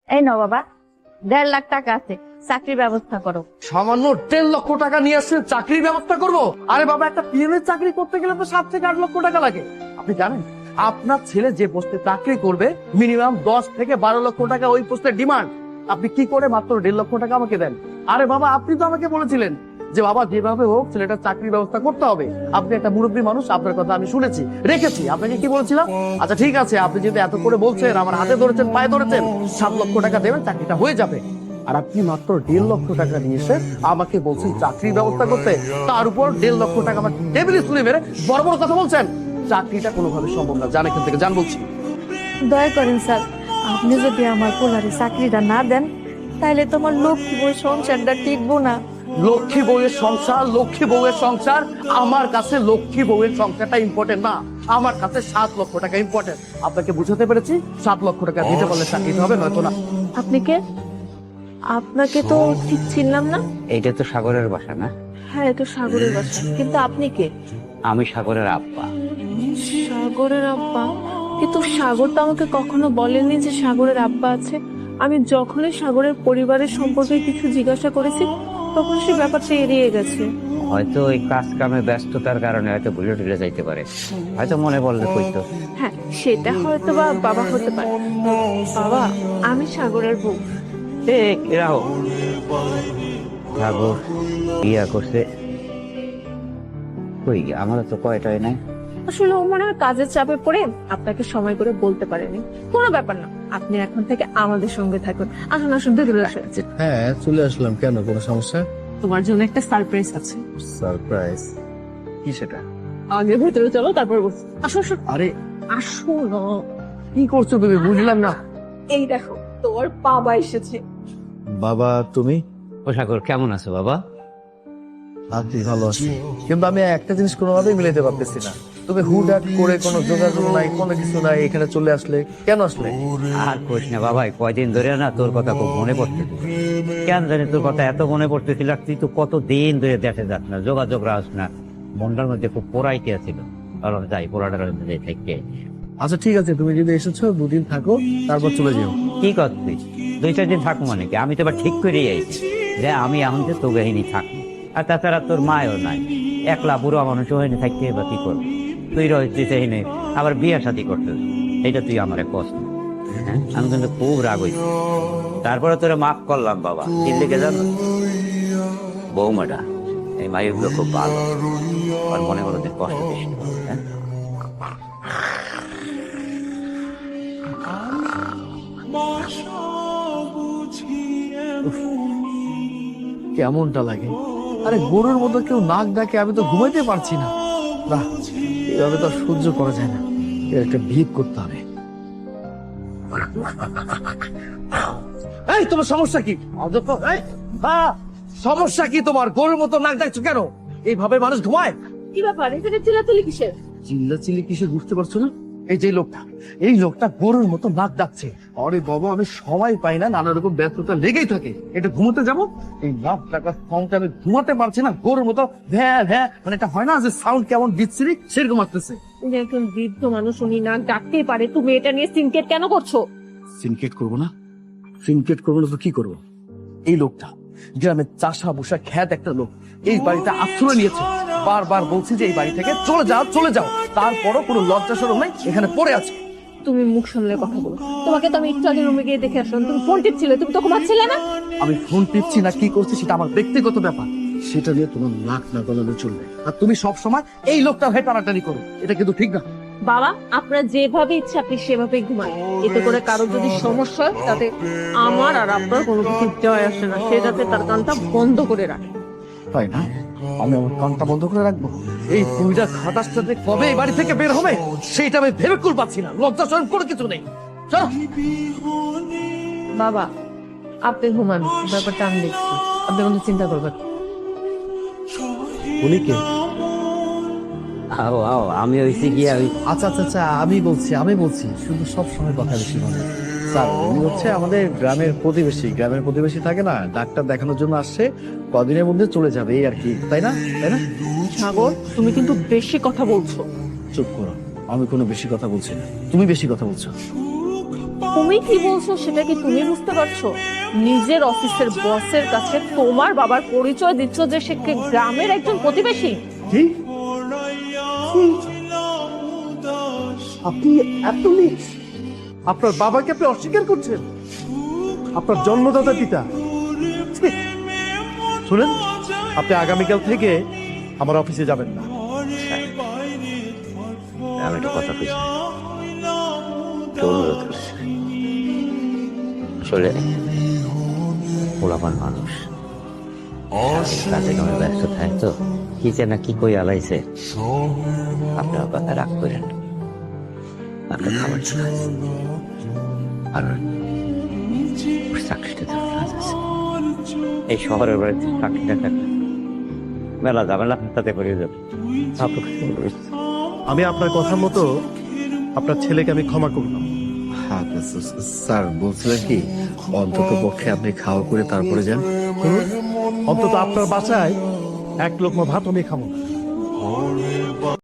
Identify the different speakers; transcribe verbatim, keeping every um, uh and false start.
Speaker 1: এই নাও বাবা, দেড় লাখ টাকা আছে, চাকরির ব্যবস্থা করো।
Speaker 2: সামান্য দেড় লক্ষ টাকা নিয়ে আসছেন, চাকরির ব্যবস্থা করবো? আরে বাবা, একটা পিএম এর চাকরি করতে গেলে তো সাত থেকে আট লক্ষ টাকা লাগে। আপনি জানেন আপনার ছেলে যে পোস্টে চাকরি করবে মিনিমাম দশ থেকে বারো লক্ষ টাকা ওই পোস্টের ডিমান্ড। আপনি কি করে মাত্র দেড় লক্ষ টাকা আমাকে দেন? আরে বাবা, আপনি তো আমাকে বলেছিলেন যে বাবা যেভাবে হোক ছেলেটার চাকরির ব্যবস্থা করতে হবে। আপনি একটা মুরব্বী মানুষ, আপনার কথা আমি শুনেছি, রেখেছি। আপনাকে কি বলেছিলাম? আচ্ছা ঠিক আছে, আপনি যদি এত করে বলছেন, আমার হাতে ধরেছেন, পায়ে ধরেছেন, সাত লক্ষ টাকা দেবেন, চাকরিটা হয়ে যাবে। আর আপনি মাত্র দেড় লক্ষ টাকা নিয়ে এসে আমাকে বলছেন চাকরির ব্যবস্থা করতে, তার উপর দেড় লক্ষ টাকা আমার টেবিলে তুলে মেরে বড় বড় কথা বলছেন। চাকরিটা কোনোভাবে সম্ভব না, জান এখান থেকে, জান বলছি।
Speaker 1: দয়া করেন স্যার, আপনি যদি আমার পোলারে চাকরিটা না দেন তাহলে তোমার লক্ষ্মী বই সংসারটা টিকবো না।
Speaker 2: লক্ষ্মী বউয়ের সংসার, লক্ষ্মী বউয়ের সংসার, আমার কাছে লক্ষ্মী বউয়ের সংসারটা ইম্পর্টেন্ট না, আমার কাছে সাত লক্ষ টাকা ইম্পর্টেন্ট। আপনাকে বুঝাতে পেরেছি? সাত লক্ষ টাকা দিতে পারলে চাকরিটা হবে, নয়তো না।
Speaker 1: আপনি কে? আপনাকে তো ঠিক চিনলাম না।
Speaker 3: এইটা তো সাগরের বাসা না?
Speaker 1: হ্যাঁ, এটা সাগরের বাসা, কিন্তু আপনি কে?
Speaker 3: আমি সাগরের আব্বা।
Speaker 1: সাগরের আব্বা? কিন্তু সাগর তো আমাকে কখনো বলেনি যে সাগরের আব্বা আছে। আমি যখনই সাগরের পরিবারের সম্পর্কে কিছু জিজ্ঞাসা করেছি তখন সে ব্যাপারটা এড়িয়ে গেছে।
Speaker 3: হয়তো ওই কাজ কামে ব্যস্ততার কারণে হয়তো ভুলে টুলে যাইতে পারে, হয়তো মনে পড়লে কইতো।
Speaker 1: হ্যাঁ, সেটা হয়তো বা বাবা হতে পারে। বাবা, আমি সাগরের বউ।
Speaker 3: ঠিক এরাও সাগর বিয়া করছে। কই আমারও তো কয়টাই নাই।
Speaker 1: আসলে ও মনে হয় কাজের চাপে পড়ে আপনাকে সময় করে বলতে পারেনি। কোনো ব্যাপার না, আপনি এখন থেকে আমাদের সঙ্গে থাকুন। আসুন আসুন, ভেতরে আসুন।
Speaker 2: হ্যাঁ, চলে আসলাম। কেন, কোনো সমস্যা?
Speaker 1: তোমার জন্য একটা সারপ্রাইজ আছে।
Speaker 2: সারপ্রাইজ? কি সেটা?
Speaker 1: আগে ভেতরে চলো, তারপর বসো। আসো আসো।
Speaker 2: আরে
Speaker 1: আসো না।
Speaker 2: কি করছো বেবি, বুঝলাম না।
Speaker 1: এই দেখো, তোর বাবা এসেছে।
Speaker 2: বাবা তুমি?
Speaker 3: ও সাগর, কেমন আছো বাবা?
Speaker 2: আপনি ভালো আছি, কিন্তু আমি একটা জিনিস কোনোভাবেই মিলাইতে পারতেছি না। তুমি হুটহাট করে কোনো যোগাযোগ নাই, কোনো কিছু নাই, এখানে চলে আসলে কেন আসলে?
Speaker 3: আর কইস না বাবা, কয়দিন ধরে না তোর কথা খুব মনে পড়তেছিল। কেন জানি তোর কথা এত মনে পড়তেছিল, আর তুই তো কত দিন ধরে দেখে যাস না, যোগাযোগ রাস না, মনটার মধ্যে খুব পোড়াইতে ছিল। কারণ যাই পোড়াটার মধ্যে থেকে।
Speaker 2: আচ্ছা ঠিক আছে, তুমি যদি এসেছো দুদিন থাকো, তারপর চলে যাও।
Speaker 3: কি করছিস? দুই চার দিন থাকবো মানে কি? আমি তো এবার ঠিক করেই আইছি যে আমি এখন যে তোকে হিনি থাকবো। আর তাছাড়া তোর মায়ও নাই, একলা বুড়ো মানুষ হয়নি, থাকতে এবার কি করবি? তুই রয়েছিস এখানে, আবার বিয়ে শাদী করছিস, এইটা তুই আমার কষ্ট। হ্যাঁ, আমি কিন্তু খুব রাগ হইছি। তারপরে তোরা মাফ করলাম বাবা। কি লিখে যান বৌমাটা, এই মায়েরগুলো খুব ভালো, আর মনে করো যে কষ্ট দিস না, হ্যাঁ?
Speaker 2: কেমনটা লাগে? আরে গরুর মতো কেউ নাক ডাকে, আমি তো ঘুমাইতে পারছি না। না, এভাবে তো আর সহ্য করা যায় না, এর একটা ভিত করতে হবে। এই তোমার সমস্যা কি? অযথা এই, হ্যাঁ, সমস্যা কি তোমার? গরুর মতো নাক ডাকছো কেন? এইভাবে মানুষ ঘুমায়?
Speaker 1: কি ব্যাপার, এখানে চিল্লাচিল্লি কিসের?
Speaker 2: চিল্লা চিল্লি কিসে বুঝতে পারছো না? এই যে লোকটা, এই লোকটা গরুর মতো নাক ডাকছে। আরে বাবা, আমি সময় পাই না, নানা রকম ব্যস্ততা লেগেই থাকে। এটা ঘুমোতে যাবো, এই নাক ডাকার সাউন্ডটা আমি ঘুমাতে পারছি না। গরুর মতো ভ্যা ভ্যা, মানে এটা হয় না যে সাউন্ড কেমন বিচ্ছিরি, সেরকম আসতেছে।
Speaker 1: উনি একজন বৃদ্ধ মানুষ, উনি নাক ডাকতেই পারে, তুমি এটা নিয়ে সিনকেট কেন করছো?
Speaker 2: সিনকেট করবো না? সিনকেট করবো না তো কি করবো? এই লোকটা গ্রামের চাষা বসা খ্যাত একটা লোক, এই বাড়িটা আশ্রয় নিয়েছে। বারবার বলছি যে এই বাড়ি থেকে চলে যাও, চলে যাও, তারপরও কোনো লজ্জা শরম নাই, এখানে পড়ে আছে।
Speaker 1: তুমি মুখ সামলে কথা বলো। তোমাকে তো আমি একটু আগে রুমে গিয়ে দেখে আসলাম, তুমি ফোন টিপছিলে, তুমি তো ঘুমাচ্ছিলে না।
Speaker 2: আমি ফোন টিপছি না কি করছি সেটা আমার ব্যক্তিগত ব্যাপার, সেটা নিয়ে তোমার নাক না গলানো চলবে। আর তুমি সব সময় এই লোকটা হয়ে টানাটানি করো, এটা কিন্তু ঠিক না।
Speaker 1: বাবা, আপনার যেভাবে ইচ্ছা আপনি সেভাবেই ঘুমান। এতে করে কারোর যদি সমস্যা হয় তাতে আমার আর আপনার কোনো কিছু জয় আসে না। সে যাতে তার কানটা বন্ধ করে রাখে।
Speaker 2: তাই না? আমি আমার কানটা বন্ধ করে রাখবো? এই দুইটা খাটাস সাথে কবে এই বাড়ি থেকে বের হবে সেইটা আমি ভেবে কুল পাচ্ছি না। লজ্জা শরম কোনো কিছু নেই। চলো।
Speaker 1: বাবা, আপনি ঘুমান, ব্যাপারটা আমি দেখছি, আপনি কোনো চিন্তা করবেন।
Speaker 2: উনি কে?
Speaker 3: আও আও, আমি হইছি গিয়া ওই
Speaker 2: আচ্ছা আচ্ছা আচ্ছা, আমি বলছি আমি বলছি শুধু সব সময় কথা বেশি বলে। স্যার, উনি হচ্ছে আমাদের গ্রামের প্রতিবেশী। গ্রামের প্রতিবেশী থাকে না, ডাক্তার দেখানোর জন্য আসছে, কদিনের মধ্যে চলে যাবে এই আর কি, তাই না? তাই না?
Speaker 1: সাগর, তুমি কিন্তু বেশি কথা বলছো।
Speaker 2: চুপ করো, আমি কোনো বেশি কথা বলছি না, তুমি বেশি কথা বলছো।
Speaker 1: তুমি কি বলছো সেটা কি তুমি বুঝতে পারছো? নিজের অফিসের বসের কাছে তোমার বাবার পরিচয় দিচ্ছ যে সে কি গ্রামের একজন প্রতিবেশী?
Speaker 2: কি? আপনি এত নিচ? আপনার বাবাকে আপনি অস্বীকার করছেন? আপনার জন্মদাতা পিতা? ছি! শুনেন, আপনি আগামীকাল থেকে আমার অফিসে যাবেন না।
Speaker 3: আমি একটা কথা কইছি, একটু অনুরোধ করছি। আসলে পোলাপান মানুষ কাজে কামে ব্যস্ত থাকে তো, কি যে না কি কই আলাইছে, আপনার কথা রাগ করেন না। আপনার খাবার চলে আসছে। আর ওর চাকরিটা তো কাজ আছে। এই শহরের বাড়িতে চাকরিটা থাকলে মেলা ঝামেলা তাতে করে যাবে। আপনাকে অনুরোধ।
Speaker 2: আমি আপনার কথা মতো আপনার ছেলেকে আমি ক্ষমা করলাম।
Speaker 4: হ্যাঁ স্যার, বলছিলেন কি অন্তত পক্ষে আপনি খাওয়া করে তারপরে যান।
Speaker 2: হুম? অন্তত আপনার বাসায় এক লোকমা ভাত আমি খাবো না।